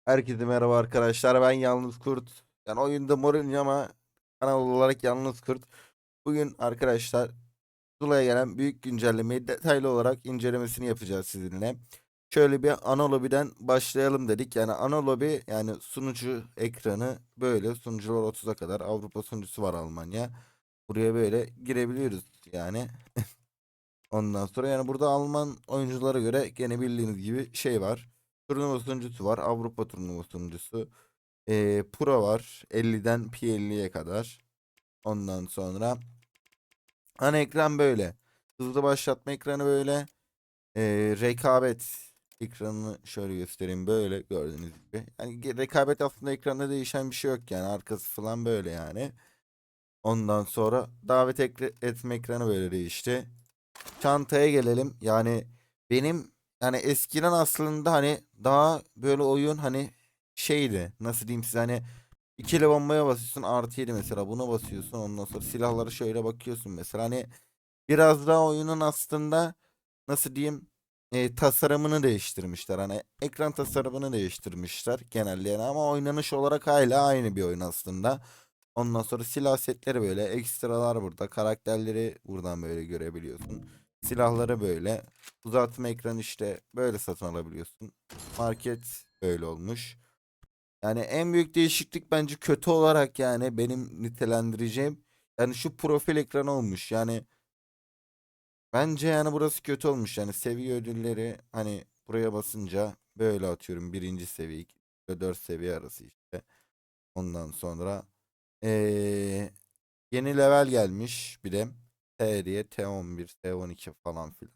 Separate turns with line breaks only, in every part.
Herkese merhaba arkadaşlar. Ben Yalnız Kurt. Yani oyunda Mourinho ama kanal olarak Yalnız Kurt. Bugün arkadaşlar Zula'ya gelen büyük güncellemeyi detaylı olarak incelemesini yapacağız sizinle. Şöyle bir ana lobiden başlayalım dedik. Yani ana lobi yani sunucu ekranı böyle. Sunucular 30'a kadar. Avrupa sunucusu var Almanya. Buraya böyle girebiliyoruz yani. Ondan sonra yani burada Alman oyunculara göre gene bildiğiniz gibi şey var. Turnuva sunucusu var. Avrupa turnuva sunucusu. Pro var. 50'den P50'ye kadar. Ondan sonra ana ekran böyle. Hızlı başlatma ekranı böyle. Rekabet ekranını şöyle göstereyim. Böyle gördüğünüz gibi. Yani rekabet aslında ekranda değişen bir şey yok yani. Arkası falan böyle yani. Ondan sonra davet etme ekranı böyle değişti. Çantaya gelelim. Yani benim yani eskiden aslında hani daha böyle oyun hani şeydi. Nasıl diyeyim size hani ikili bombaya basıyorsun artı 7 mesela buna basıyorsun ondan sonra silahlara şöyle bakıyorsun mesela hani biraz daha oyunun aslında nasıl diyeyim tasarımını değiştirmişler hani ekran tasarımını değiştirmişler genelde yani ama oynanış olarak hala aynı bir oyun aslında. Ondan sonra silah setleri böyle ekstralar burada karakterleri buradan böyle görebiliyorsun. Silahları böyle uzatma ekranı işte böyle satın alabiliyorsun. Market böyle olmuş. Yani en büyük değişiklik bence kötü olarak yani benim nitelendireceğim yani şu profil ekranı olmuş. Yani bence yani burası kötü olmuş. Yani seviye ödülleri hani buraya basınca böyle atıyorum birinci seviye 2 ve 4 seviye arası işte. Ondan sonra yeni level gelmiş bir de T diye T11 T12 falan filan.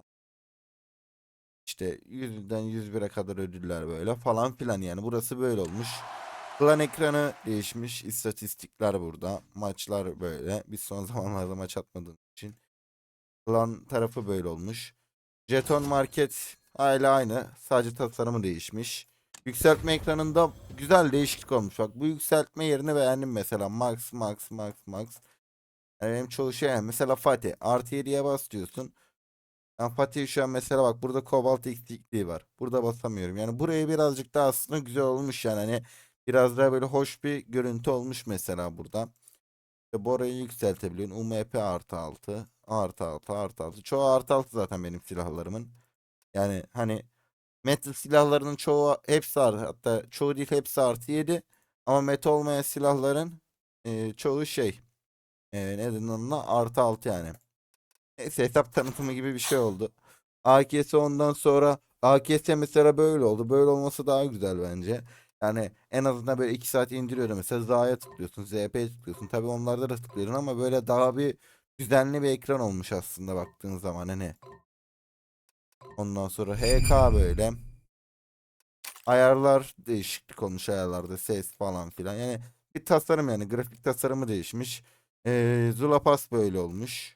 İşte 100'den 101'e kadar ödüller böyle falan filan yani burası böyle olmuş. Klan ekranı değişmiş. İstatistikler burada. Maçlar böyle. Biz son zamanlarda maç atmadığımız için. Klan tarafı böyle olmuş. Jeton market hala aynı. Sadece tasarımı değişmiş. Yükseltme ekranında güzel değişiklik olmuş. Bak bu yükseltme yerini beğendim mesela. Max, Max, Max, Max. Yani benim çoğu şey yani. Mesela Fatih. Artı 7'ye bas diyorsun. Ben Fatih şu an mesela bak burada kobalt eksikliği var. Burada basamıyorum. Yani buraya birazcık daha aslında güzel olmuş yani. Hani biraz daha böyle hoş bir görüntü olmuş mesela burada. İşte Bora'yı yükseltebiliyorsun. UMP artı 6. Artı 6 artı 6. Çoğu artı 6 zaten benim silahlarımın. Yani hani metal silahlarının çoğu hepsi artı. Hatta çoğu değil hepsi artı 7. Ama metal olmayan silahların çoğu şey. Ne denir ona? Artı 6 yani. Neyse hesap tanıtımı gibi bir şey oldu. AKS ondan sonra AKS mesela böyle oldu. Böyle olması daha güzel bence. Yani en azından böyle 2 saat indiriyorum. Mesela Z'ya tıklıyorsun, ZP'ye tıklıyorsun. Tabii onlarda da tıklıyorsun ama böyle daha bir düzenli bir ekran olmuş aslında baktığın zaman hani. Ondan sonra HK böyle. Ayarlar değişiklik olmuş ayarlarda ses falan filan. Yani bir tasarım yani grafik tasarımı değişmiş. Zula Pass böyle olmuş.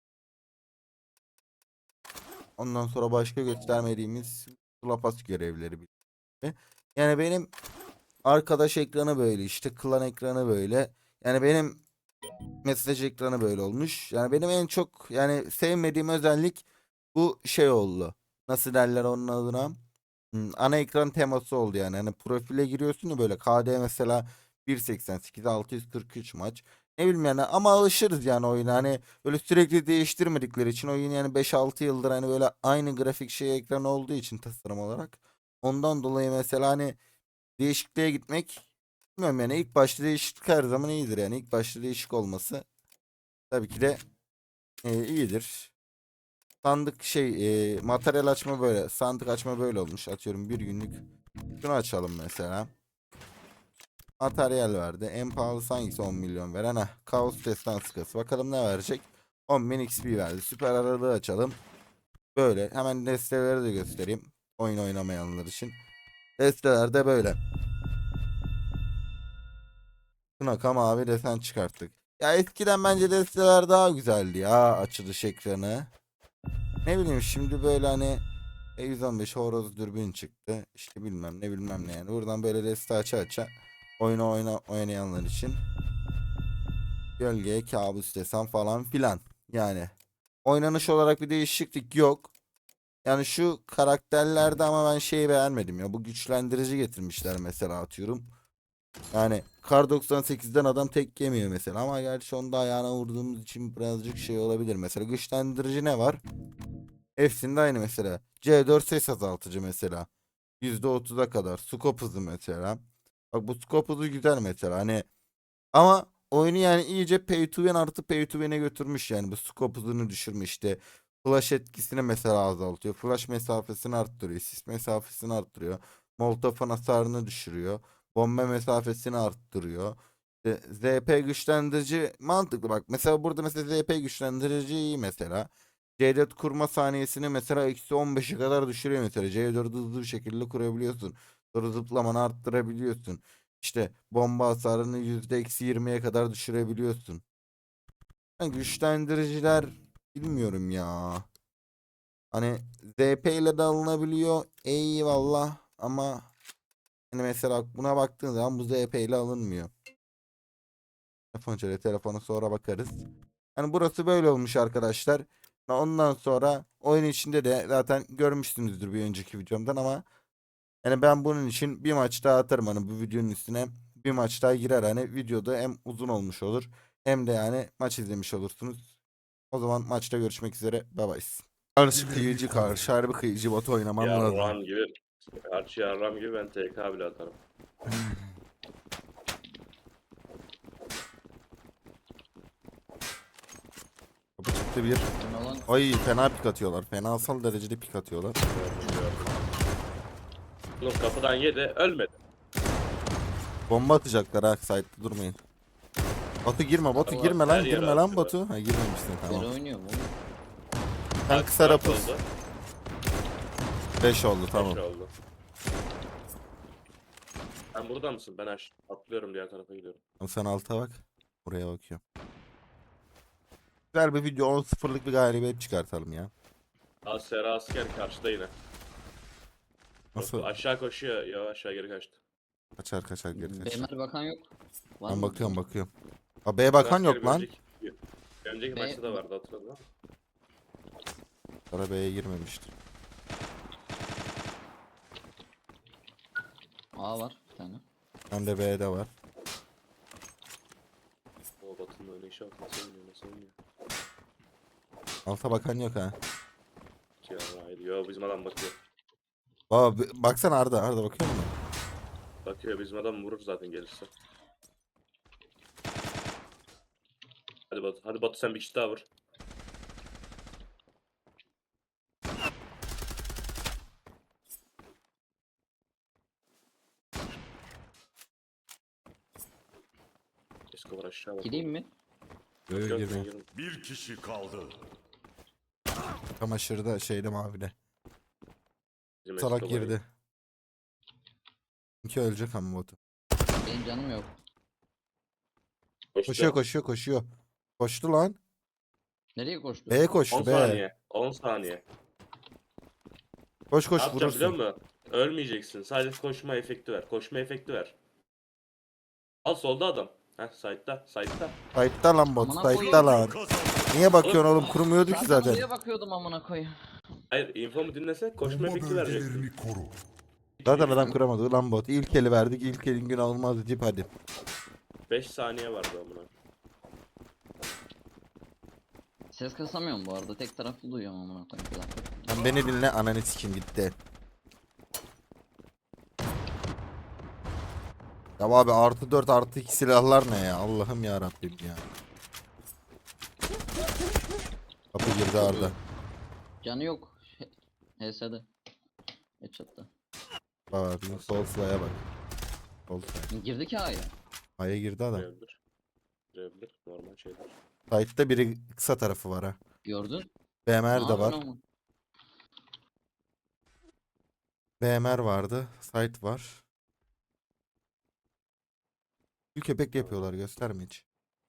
Ondan sonra başka göstermediğimiz Zula görevleri gibi. Yani benim arkadaş ekranı böyle işte klan ekranı böyle. Yani benim mesaj ekranı böyle olmuş. Yani benim en çok yani sevmediğim özellik bu şey oldu. Nasıl derler onun adına? Ana ekran teması oldu yani. Hani profile giriyorsun ya böyle KD mesela 1.88 643 maç. Ne bileyim yani ama alışırız yani oyuna. Hani böyle sürekli değiştirmedikleri için oyun yani 5-6 yıldır hani böyle aynı grafik şey ekran olduğu için tasarım olarak. Ondan dolayı mesela hani değişikliğe gitmek bilmiyorum yani ilk başta değişiklik her zaman iyidir yani ilk başta değişik olması tabii ki de iyidir. Sandık şey materyal açma böyle sandık açma böyle olmuş atıyorum bir günlük şunu açalım mesela materyal verdi en pahalısı hangisi 10 milyon veren Kaos Destansı kası bakalım ne verecek 10.000 XP verdi süper aralığı açalım böyle hemen desteleri de göstereyim oyun oynamayanlar için desteler de böyle Tunaka mavi desen çıkarttık ya eskiden bence desteler daha güzeldi ya açılış ekranı ne bileyim şimdi böyle hani E115 horoz dürbün çıktı. İşte bilmem ne bilmem ne yani. Buradan böyle deste aça oynayanlar için gölgeye kabus desem falan filan. Yani oynanış olarak bir değişiklik yok. yani şu karakterlerde ama ben şeyi beğenmedim ya. Bu güçlendirici getirmişler mesela atıyorum. Yani Kar 98'den adam tek yemiyor mesela ama gerçi onda ayağına vurduğumuz için birazcık şey olabilir. Mesela güçlendirici ne var? Hepsinde aynı mesela. C4 ses azaltıcı mesela. %30'a kadar. Scope hızı mesela. Bak bu scope hızı güzel mesela. Hani ama oyunu yani iyice pay to win artı pay to win'e götürmüş yani. Bu scope hızını düşürmüş işte. Flash etkisini mesela azaltıyor. Flash mesafesini arttırıyor. Sis mesafesini arttırıyor. Molotof'un hasarını düşürüyor. Bomba mesafesini arttırıyor. İşte ZP güçlendirici mantıklı bak. Mesela burada mesela ZP güçlendirici iyi mesela. C4 kurma saniyesini mesela -15'e kadar düşürüyor mesela. C4'ü hızlı bir şekilde kurabiliyorsun. Sonra zıplamanı arttırabiliyorsun. İşte bomba hasarını %-20'ye kadar düşürebiliyorsun. Yani güçlendiriciler bilmiyorum ya. Hani ZP ile de alınabiliyor. Eyvallah ama hani mesela buna baktığın zaman bu ZP ile alınmıyor. Telefona sonra bakarız. Yani burası böyle olmuş arkadaşlar. Ondan sonra oyun içinde de zaten görmüşsünüzdür bir önceki videomdan ama yani ben bunun için bir maç daha atarım hani bu videonun üstüne bir maç daha girer hani videoda hem uzun olmuş olur hem de yani maç izlemiş olursunuz. O zaman maçta görüşmek üzere. Bye bye. Karşı kıyıcı karşı harbi kıyıcı bot oynamam lazım.
Yarram gibi. Karşı yarram gibi ben TK bile atarım.
Kapı çıktı bir.
Ne lan?
Ay fena pik atıyorlar. Fenasal derecede pik atıyorlar.
Gördüm. Oğlum kapıdan yedi ölmedi.
Bomba atacaklar ha site'de durmayın. Batu girme Batu
Allah,
girme lan
her yere
girme lan
atıyor.
Batu. Ha girmemişsin tamam.
Geri oynuyor mu oğlum?
Sen
Bak,
kısa
dört
rapus.
oldu.
5 oldu tamam.
Beş oldu. Sen burada mısın? Ben atlıyorum diğer tarafa gidiyorum.
Sen alta bak. Buraya bakıyorum. Güzel bir video 10-0'lık bir galibiyet çıkartalım ya.
Sera asker karşıda yine.
Nasıl?
Aşağı koşuyor. Ya aşağı geri kaçtı.
Kaçar kaçar geri kaçar.
BMR bakan yok. Var
Ben
mı?
bakıyorum bakıyorum. Ha B'ye bakan
Asker
yok lan.
bir önceki
B-
maçta da vardı hatırladın mı?
Sonra B'ye girmemiştir.
A var bir tane.
Hem de B'de var.
O Batı'nın öyle işi yok. Nasıl oynuyor nasıl oynuyor?
Alta bakan yok ha.
Yarraydı. Yo bizim adam bakıyor.
Baba baksana Arda. Arda bakıyor musun?
Bakıyor bizim adam vurur zaten gelirse. Hadi Batu. Hadi Batu sen bir kişi daha vur. Escobar aşağı bak.
Gideyim mi?
Yok
Yok,
yok
ben
girme.
girdim.
Bir kişi kaldı.
Çamaşırda şeyde mavide.
Bizim
Salak
Escobar
girdi. İki ölecek ama Batu.
Benim canım yok.
koştu.
Koşuyor koşuyor koşuyor. Koştu lan.
Nereye koştu?
B'ye
10
koştu B.
saniye. 10 saniye.
Koş
Ne
koş
yapacağım biliyor
vurursun.
musun? Ölmeyeceksin. Sadece koşma efekti ver. Koşma efekti ver. Al solda adam. Heh side'da. Side'da.
Sight'ta lan Batu.
Amına
Sight'ta lan.
Kazandı.
Niye bakıyorsun oğlum? Kurumuyordu ki
Zaten
zaten.
oraya bakıyordum amına koyayım.
Hayır infomu dinlese koşma
Bomba
efekti vereceksin.
bölgelerini koru.
Zaten adam kuramadı lan Batu. İlk eli verdik. İlk elin günü olmaz deyip hadi.
5 saniye vardı amına.
Ses kasamıyorum bu arada. Tek taraflı duyuyorum amına koyayım. Bir dakika.
Sen beni dinle ananı sikim gitti. Ya abi +4 +2 silahlar ne ya? Allah'ım ya Rabbim ya. Kapı girdi Arda.
Canı yok. HS'de. Headshot'ta.
Bak bizim sol silah'a bak. Sol silah.
Girdi ki A'ya.
Aya girdi adam.
Girebilir. Girebilir. Normal şeyler.
Sight'ta biri kısa tarafı var ha.
Gördün.
BMR de
Aa,
var.
ama.
BMR vardı. Sight var. Bir köpek yapıyorlar gösterme hiç.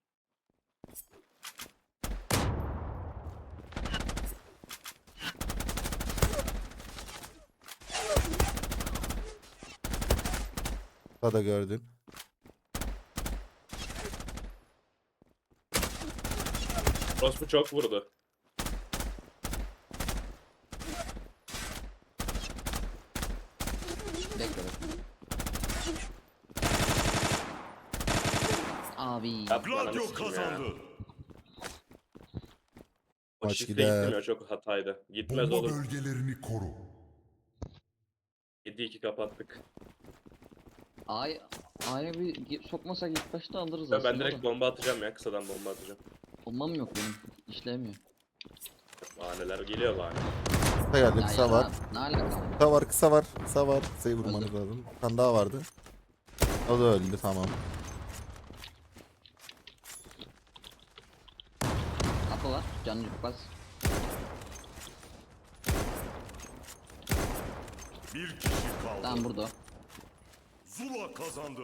Daha da gördün.
Rospu çok vurdu.
Abi.
Yapma ananı
Gladio
sikeyim ya.
kazandı.
O
Maç
şifre
gider.
gitmiyor, çok hataydı. Gitmez
Bomba
olur.
bölgelerini koru.
7-2 kapattık.
A'ya bir sokmasak ilk başta alırız
Ya
aslında
ben direkt
da.
bomba atacağım ya, kısadan bomba atacağım.
Bombam yok benim. İşlemiyor.
Bahaneler geliyor bahane.
Kısa geldi,
Ya
kısa var.
Ne alaka?
Kısa var, kısa var, kısa var. Kısayı vurmanız
Öldü.
lazım. Bir tane daha vardı. O da öldü, tamam.
Kapı var. Canı bas.
Bir kişi kaldı.
Tamam burada.
Zula kazandı.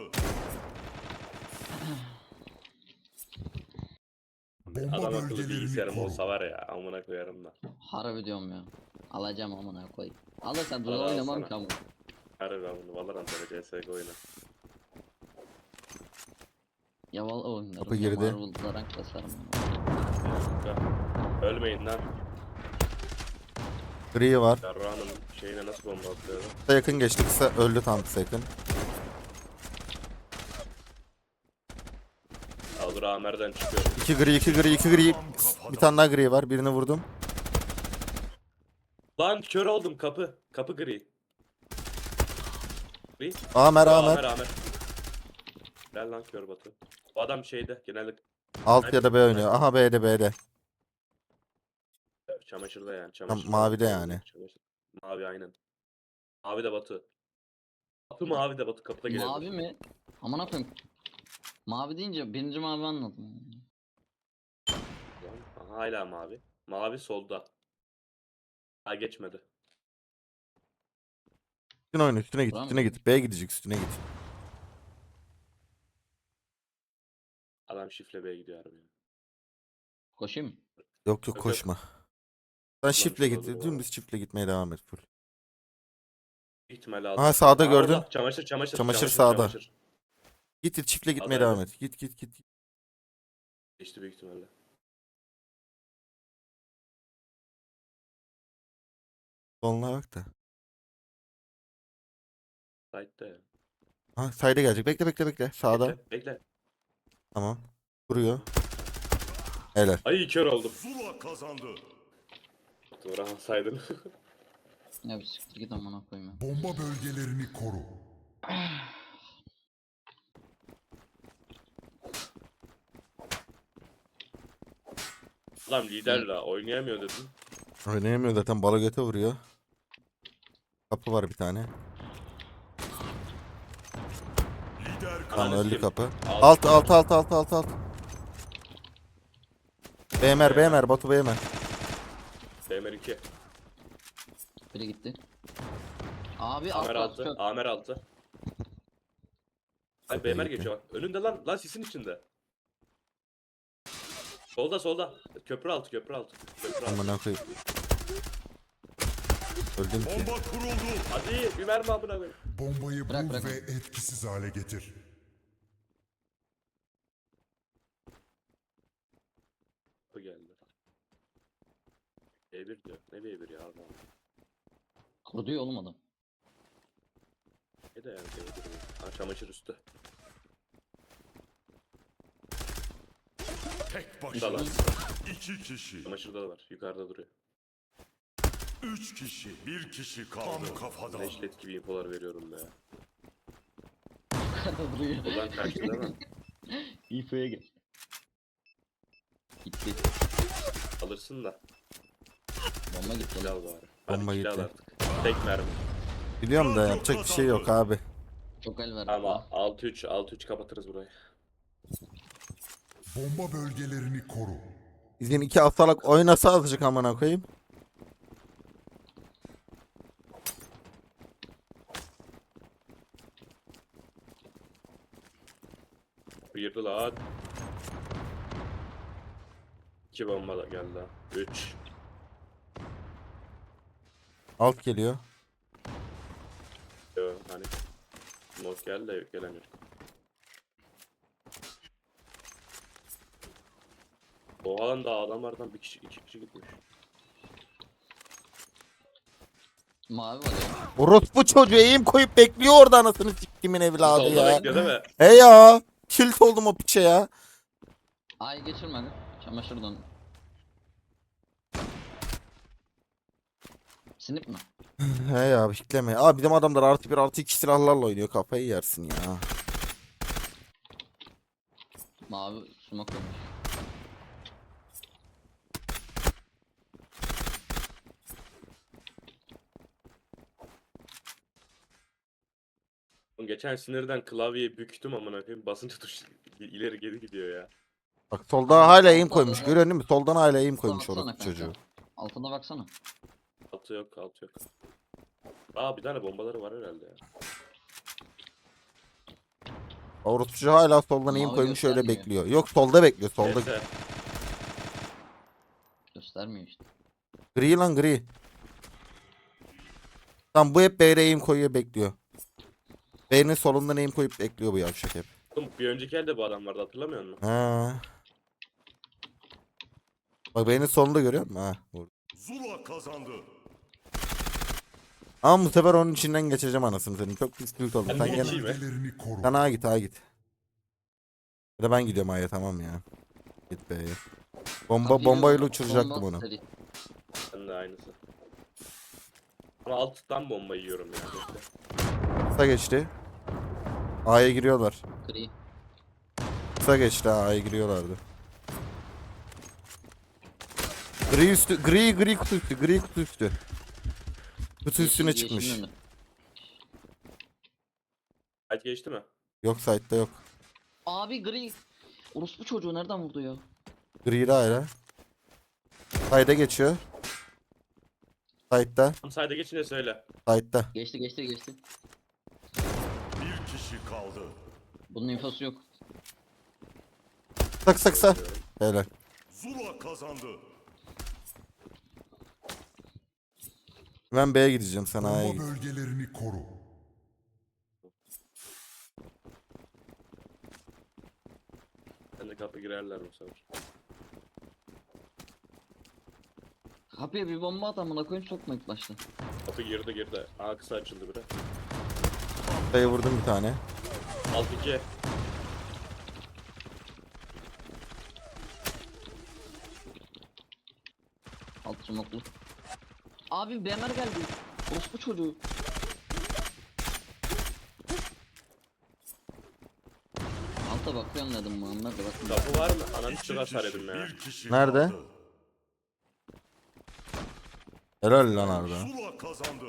Bomba
Adam akıllı
bölgelerini
bilgisayarım
koru.
olsa var ya, amına koyarım da.
Harbi diyorum ya. Alacağım amına koy. Alırsan
Al,
Zula
al
oynamam
sana.
ki ama.
Harbi ben bunu Valorant öyle CSGO oyna.
Ya valla oynarım.
Kapı
ya
girdi.
Marvel'da rank basarım.
Ya, ölmeyin lan.
Gri var.
Yarrağının şeyine nasıl bomba atıyor?
Kısa yakın geçti, kısa öldü, tam kısa yakın.
Ya dur Amer'den çıkıyor.
2 gri, 2 gri, 2 gri. Bir tane daha gri var, birini vurdum.
Lan kör oldum, kapı. Kapı gri. Gri.
Amer,
Amer
Amer.
Amer. Gel lan kör Batu. Bu adam şeyde genelde
Alt ya da B oynuyor. Aha, B'de, B'de.
çamaşırda yani. Çamaşır
mavide
falan.
yani.
Çamaşır. Mavi aynen. Mavi de Batu. Batu mavi de Batu kapıda geliyor.
Mavi mi? Amına koyayım. Mavi deyince birinci mavi anladım.
Aha, hala mavi. Mavi solda. Ha geçmedi.
Üstüne oyna, üstüne git,
Buram
üstüne
mı?
git. B'ye gidecek, üstüne git.
Adam şifle B'ye gidiyor harbi.
Koşayım mı?
Yok yok,
Yok.
koşma. Sen şifle
şurada
git,
dur
dümdüz şifle gitmeye devam et full.
İhtimalle aldı.
Aha, sağda
Aa,
gördün.
orada. Çamaşır.
Çamaşır sağda.
Çamaşır.
Git git çiftle gitmeye
Adaydı.
devam et. Git git git.
Geçti büyük ihtimalle.
Soluna bak da.
Side'da ya.
Ha, sayda gelecek. Bekle bekle bekle. Sağda.
Bekle.
Tamam. Vuruyor. Helal.
Ay kör oldum.
Zula kazandı.
Vuramasaydın.
Ya bir siktir git amına koyayım ya.
Bomba bölgelerini koru.
Adam lider la oynayamıyor dedim.
Oynayamıyor zaten, bala göte vuruyor. Kapı var bir tane.
Lider
Tamam,
Ananı
öldü
sikeyim.
kapı.
Alt.
Alt. BMR Batu BMR.
Bemer 2.
Biri gitti. Abi alt
Amer
var.
altı.
Çok.
Amer altı. Ay
Kapıya
Bemer
gitti.
geçiyor bak. Önünde lan. Lan sisin içinde. Solda. Köprü altı. Köprü altı.
Amına koyayım. Öldüm ki.
bomba kuruldu.
Hadi bir mermi amına koyayım.
Bombayı
Bırak,
bul
bırak.
ve etkisiz hale getir.
Bu geldi. B1 diyor. Ne B1 ya adam.
Kurdu ya oğlum adam.
Ne de yani B1 ha, çamaşır üstü.
Tek
Dalar.
başına. 2 kişi.
Çamaşırda da var. Yukarıda duruyor.
3 kişi. 1 kişi kaldı. Tam kafadan.
Neşlet gibi infolar veriyorum be.
Yukarıda duruyor.
Ulan kaçtı değil mi?
İF'ye gel. Gitti.
Alırsın da.
Bomba gitti.
Kill al bari. Hadi
Bomba
kill al
gitti.
artık. Tek mermi.
Biliyorum da yapacak bir şey yok abi.
Çok el ver.
Ama 6-3 kapatırız burayı.
Bomba bölgelerini koru.
Bizim iki haftalık oynasa azıcık amına koyayım.
Girdi lan. 2 bomba da geldi ha. 3.
Alt geliyor.
Yo hani. Mod geldi de gelen yok. O alanda adamlardan bir kişi 2 kişi gitmiş.
Mavi var ya.
Orospu çocuğu eğim koyup bekliyor orada, anasını siktimin evladı
Solda
ya.
bekliyor değil mi?
He ya. Tilt oldum o piçe ya.
Ay geçirmedi. Çamaşır don. Sinip mi?
He ya bekleme. Abi bizim adamlar artı bir artı iki silahlarla oynuyor. Kafayı yersin ya.
Mavi sumak olmuş.
Oğlum geçen sinirden klavyeyi büktüm amına koyayım. Basınca tuş ileri geri gidiyor ya.
Bak solda
Abi,
hala eğim
altta
koymuş.
da-
Görüyorsun değil mi? Soldan hala eğim
Alta
koymuş orası
baksana
çocuğu.
kanka. Altına baksana.
Altı yok, altı yok. Aa bir tane bombaları var herhalde ya.
Orası çocuğu hala soldan eğim
Mavi
koymuş öyle
göstermiyor.
bekliyor. Yok solda bekliyor. Solda.
Neyse.
Göstermiyor işte.
Gri lan gri. Tam bu hep B'ye eğim koyuyor bekliyor. B'nin solundan eğim koyup bekliyor bu yavşak hep.
Oğlum bir önceki elde bu adam vardı hatırlamıyor musun?
Ha. Bak B'nin solunda görüyor musun? Ha. Vurdu.
Zula kazandı.
Ama bu sefer onun içinden geçeceğim anasını senin. Çok pis tilt oldu.
Ben
Sen
de
gene...
geçeyim.
Bölgelerini koru.
Sen A'ya git A'ya git. Ya da ben gidiyorum A'ya tamam ya. Git B'ye.
Kapıyı
Bombayla
bomba-
uçuracaktım
bomba
onu.
seri.
Ben de aynısı. Ama alttan bomba yiyorum ya. Bekle.
Kısa geçti. A'ya giriyorlar.
Gri.
Kısa geçti ha, A'ya giriyorlardı. Gri üstü, gri kutu üstü, gri kutu üstü. Kutu üstüne
Yeşil-
çıkmış.
yeşilin önü.
Kaç geçti mi?
Yok site'da yok.
Abi gri. Orospu çocuğu nereden vurdu ya?
Gri de ayrı. Site'da geçiyor. Site'da,
Tam sayda geçince söyle.
site'da.
Geçti geçti geçti.
Bir kişi kaldı.
Bunun infosu yok.
Kısa kısa kısa. Helal.
Zula kazandı.
Ben B'ye gideceğim sen A'ya
Bomba
git.
bölgelerini koru.
Ben de kapı girerler bu sefer.
Kapıya bir bomba at amına koyayım sokma ilk başta.
Kapı girdi girdi. Aa kısa açıldı biri.
Kısa'ya vurdum bir tane.
Alt 2.
Alt smoke'lu. Abi BMR geldi. Orospu çocuğu. Alta bakıyorum dedim Muhammed de bakın.
Kapı var mı? Ananı
İki
çok hasar
kişi,
yedim ya.
bir kişi
Nerede?
kaldı.
Helal lan Arda.
Zula kazandı.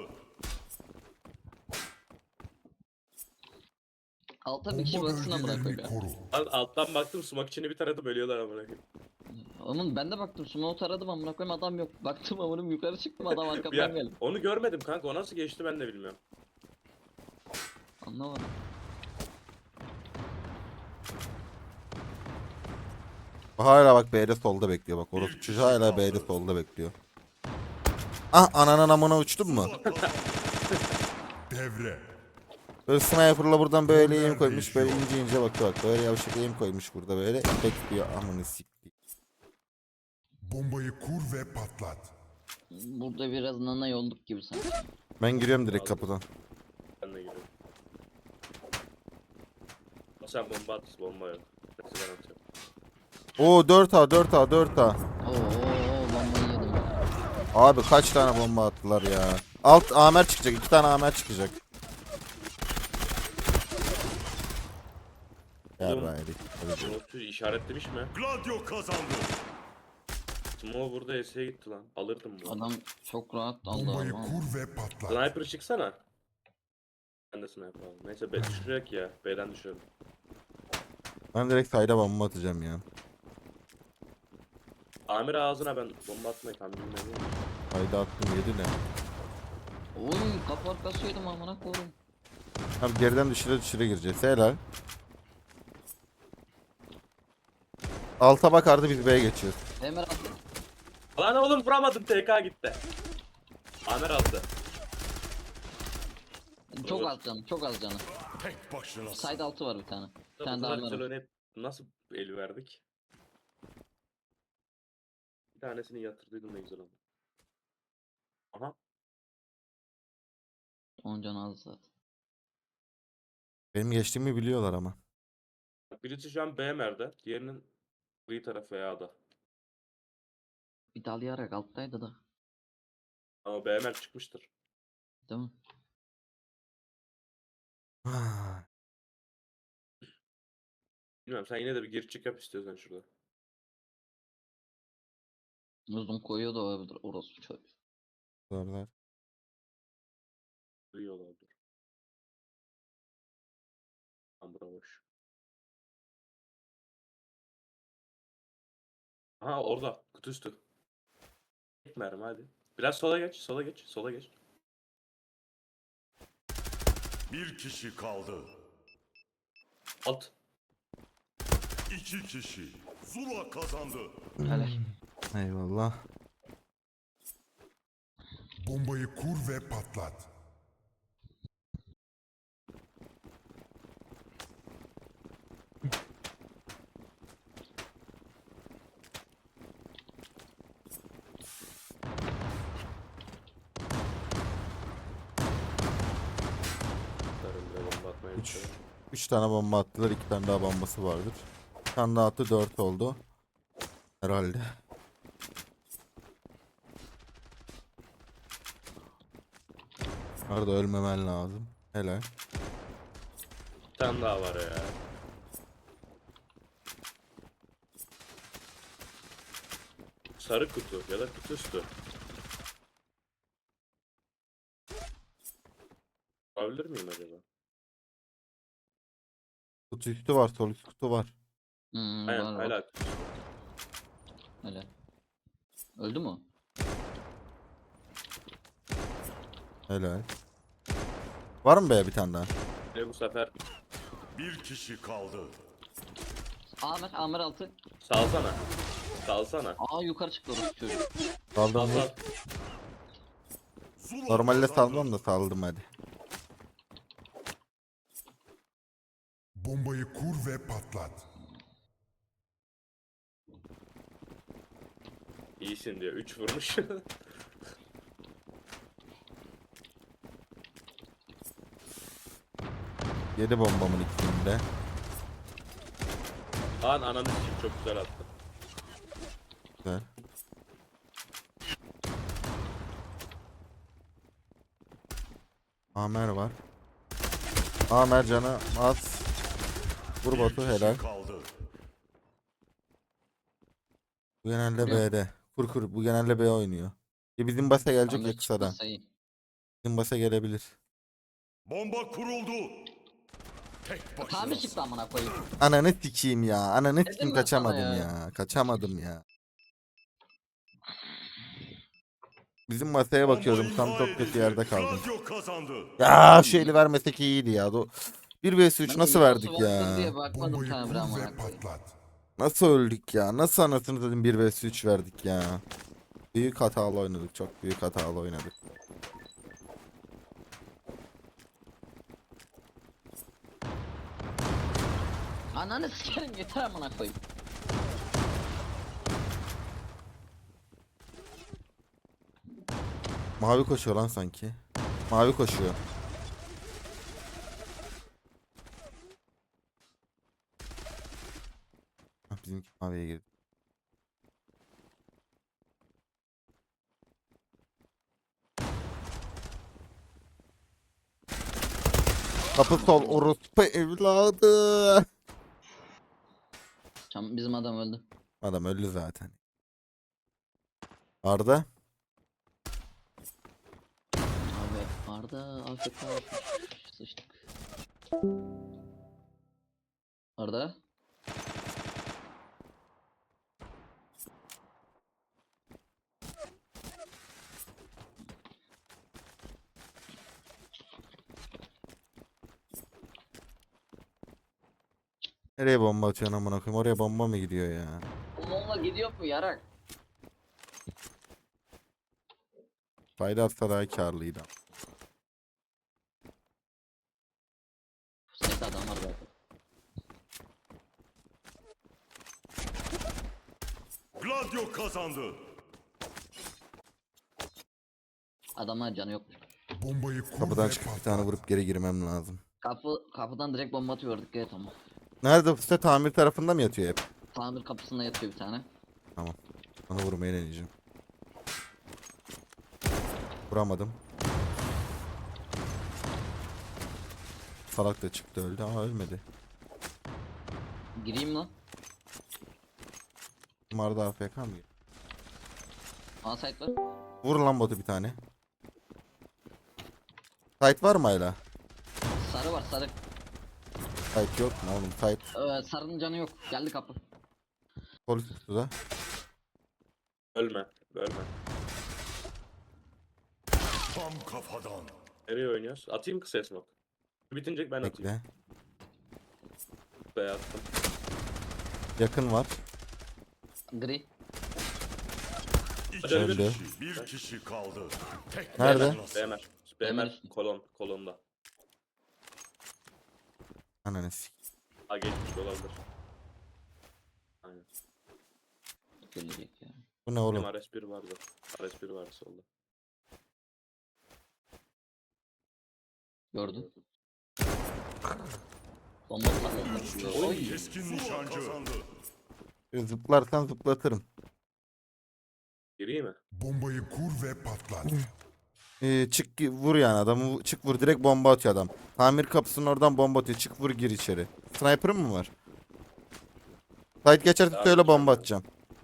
Alta bir kişi
Bomba
baksın amına koyayım
bölgelerini
ya.
koru.
Lan alttan baktım sumak içini bir taradım ölüyorlar amına koyayım.
Oğlum ben de baktım smoke taradım amına koyayım adam yok. Baktım amınım yukarı çıktım adam arkamdan
Ya
geldi.
onu görmedim kanka o nasıl geçti ben de bilmiyorum.
Anlamadım.
Hala bak B'de solda bekliyor bak. Orası çocuğu hala B'de solda bekliyor. Ah ananın amına uçtun mu?
Zula kazandı. Devre.
Böyle sniper'la buradan böyle eğim koymuş. Böyle ince ince bakıyor bak. Böyle yavşak eğim koymuş burada böyle. Bekliyor amını sikti.
Bombayı kur ve patlat.
Burada biraz nana yolduk gibi sanki.
Ben giriyorum direkt kapıdan.
Ben de giriyorum. O sen bomba at bomba yok. Neyse ben atıyorum.
Oo 4A 4A 4A.
Oo bombayı yedim ya.
Abi kaç tane bomba attılar ya. Alt Amer çıkacak. 2 tane Amer çıkacak.
Oğlum.
Yarraydık.
Smoke'u işaretlemiş mi?
Gladio kazandı.
Smoke burada S'ye gitti lan. Alırdım bu.
Adam çok rahat aldı
Bombayı
ama.
kur ve patlat.
Sniper çıksana. Ben de sniper aldım. Neyse B düşürek ya. B'den düşürelim.
Ben direkt sayda bomba atacağım ya.
Amir ağzına ben bomba atmayı tam bilmiyorum.
Sayda attım 7 ne?
Oy kapı arkası yedim amına koyayım.
Abi geriden düşüre düşüre gireceğiz. Helal. Alta bak artı biz B'ye geçiyoruz.
BMR attı.
Lan oğlum vuramadım TK gitti. Amir aldı.
Çok
Vur.
az canı çok az canı.
Tek başına.
Side altı var bir tane. Bir tane
Bu
daha
kadar
var.
güzel oynayıp nasıl el verdik? Bir tanesini yatırdıydım ne güzel oldu. Aha.
10 canı az zaten.
Benim geçtiğimi biliyorlar ama.
Birisi şu an BMR'de. Diğerinin Gri taraf veya ada.
Bir dalayarak alttaydı da.
Ama BMR çıkmıştır.
Değil mi?
Bilmiyorum, sen yine de bir gir çık yap istiyorsan şurada.
Uzun koyuyor da olabilir orası çocuk.
Zorlar.
Gri olabilir. Tam bura boş. Aha orada kutu üstü. Tek mermi hadi. Biraz sola geç, sola geç, sola geç.
Bir kişi kaldı.
Alt.
2 kişi. Zula kazandı.
Helal.
Eyvallah.
Bombayı kur ve patlat.
Sarım bile bomba atmaya
Üç.
başladı.
3 tane bomba attılar. 2 tane daha bombası vardır. Bir tane daha attı, 4 oldu. Herhalde. Arada ölmemen lazım. Helal.
Bir tane daha var ya. Sarı kutu ya da kutu üstü. Olabilir miyim acaba?
Kutu üstü var. Sol üst kutu var.
Aynen
Var
hala
bak. Helal. Öldü mü?
Helal. Var mı be bir tane daha?
ve bu sefer
Bir kişi kaldı.
Amer altı.
salsana. Salsana.
Aa yukarı çıktı orası çocuk.
Saldım
Sal
mı?
sal.
Zula
Normalde
kazandı.
salmam da saldım hadi.
Bombayı kur ve patlat.
İyisin diyor. 3 vurmuş.
Yedi bombamın ikisini de.
Lan ananı sikeyim, çok güzel attı.
Güzel. Amer var. Amer canı az. Vur
Bir
Batu,
kişi
helal.
kaldı.
Bu genelde
Vuruyor.
B'de. Kur kur, bu genelde B oynuyor. Bizim basa gelecek
Amer
ya kısadan.
çıkmazsa iyi.
Bizim basa gelebilir.
Bomba kuruldu. Tek
Tamir
başına.
çıktı amına koyayım.
Ananı sikeyim ya. Ananı
Dedim
sikeyim,
ben sana
kaçamadım
ya.
ya. Kaçamadım ya. Bizim masaya bakıyordum. Tam çok kötü yerde kaldım.
Radyo kazandı.
Ya şu eli vermesek iyiydi ya. 1 vs 3
Ben
nasıl
de
verdik
Yunus'u vardır
ya?
diye bakmadım
Bombayı
tamir
kur
amına
ve
koyayım.
patlat.
Nasıl öldük ya? Nasıl anasını dedim 1 vs 3 verdik ya? Büyük hatalı oynadık. Çok büyük hatalı oynadık.
Ananı sikerim yeter amına koyayım.
Mavi koşuyor lan sanki. Mavi koşuyor. Hah, bizimki maviye girdi. Kapı sol orospu evladı.
Bizim adam öldü.
Adam öldü zaten. Arda.
Abi Arda AFK sıçtık. Arda.
Nereye bomba atıyorsun amına koyayım? Oraya bomba mı gidiyor ya?
Onunla gidiyor mu yarak?
Fayda atsa daha karlıydı.
Sayıda adam var zaten.
Gladio kazandı.
Adamlar canı yokmuş.
Bombayı kur
Kapıdan
ve
çıkıp bir
patlat.
tane vurup geri girmem lazım.
Kapıdan direkt bomba atıyorduk evet ama.
Nerede, bu site tamir tarafında mı yatıyor hep?
Tamir kapısında yatıyor bir tane.
Onu vurmaya deneyeceğim. Vuramadım. Salak da çıktı öldü ama ölmedi.
Gireyim lan.
Umarda AFK mı?
A site var.
Vur lan botu bir tane. Site var mı hala?
Sarı var sarı.
Site yok mu oğlum? Site
Sarının canı yok. Geldi kapı.
polis tuttu da.
Ölme. Ölme.
Tam kafadan.
Nereye oynuyoruz? Atayım kısa smoke. Bitince ben atayım.
Bekle.
Buraya attım.
Yakın var.
Gri.
İki
Öldü.
kişi, bir kişi kaldı. Tek
Nerede?
BMR.
BMR.
BMR kolonda.
Ananı sik.
Ha geçmiş olabilir. Aynen.
Gelecek ya.
Bu ne oğlum?
Benim RS1 vardı. RS1 vardı solda.
Gördüm. Bomba patladı. Oy.
keskin nişancı.
Zıplarsan zıplatırım.
Gireyim mi?
Bombayı kur ve patlat.
Çık vur yani adamı çık vur direkt bomba atıyor adam. Tamir kapısının oradan bomba atıyor. Çık vur gir içeri. Sniper'ın mı var? Site geçerse söyle bomba atacağım.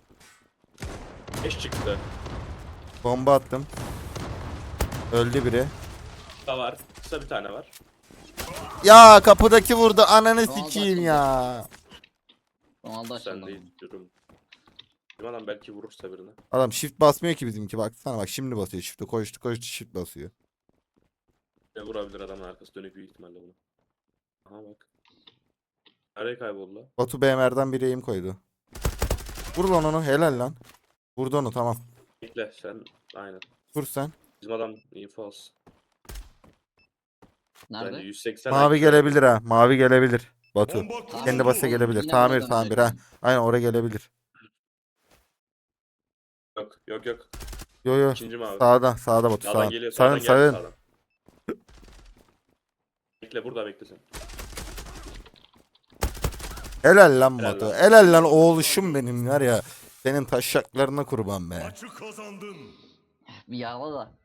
5 çıktı.
Bomba attım. Öldü biri.
Kısa var. Kısa bir tane var.
Ya kapıdaki vurdu ananı
Tamam,
sikeyim
zaten.
ya.
Ronaldo
Sen
açıldı.
değil durum. Bizim adam belki vurursa birine.
Adam shift basmıyor ki bizimki baksana bak şimdi basıyor shift'e koştu shift basıyor.
Ne vurabilir adamın arkası dönük büyük ihtimalle bunu. Aha bak. Nereye kayboldu lan?
Batu BMR'den biri aim koydu. Vur lan onu helal lan. Vurdu onu tamam.
Bekle sen. Aynen.
Vur sen.
Bizim adam info alsın. Bence
Nerede?
180
Mavi
IQ.
gelebilir ha. Mavi gelebilir. Batu.
Bomba
Tamir
Kendi
kuruldu.
basa gelebilir.
Yine
Tamir
buraya
tamir
dönecek
ha. Aynen oraya gelebilir.
Yok.
Yo yo.
İkinci mavi.
Sağda Batu
Sağdan
sağ.
geliyor.
Sağın
Sağdan geldi
sağın.
sağdan. Bekle burada bekle sen.
Helal lan
Helal
Batu.
lan.
Helal lan oğluşum benim var ya. Senin taşaklarına kurban be.
Maçı kazandın.
Bir yağla da.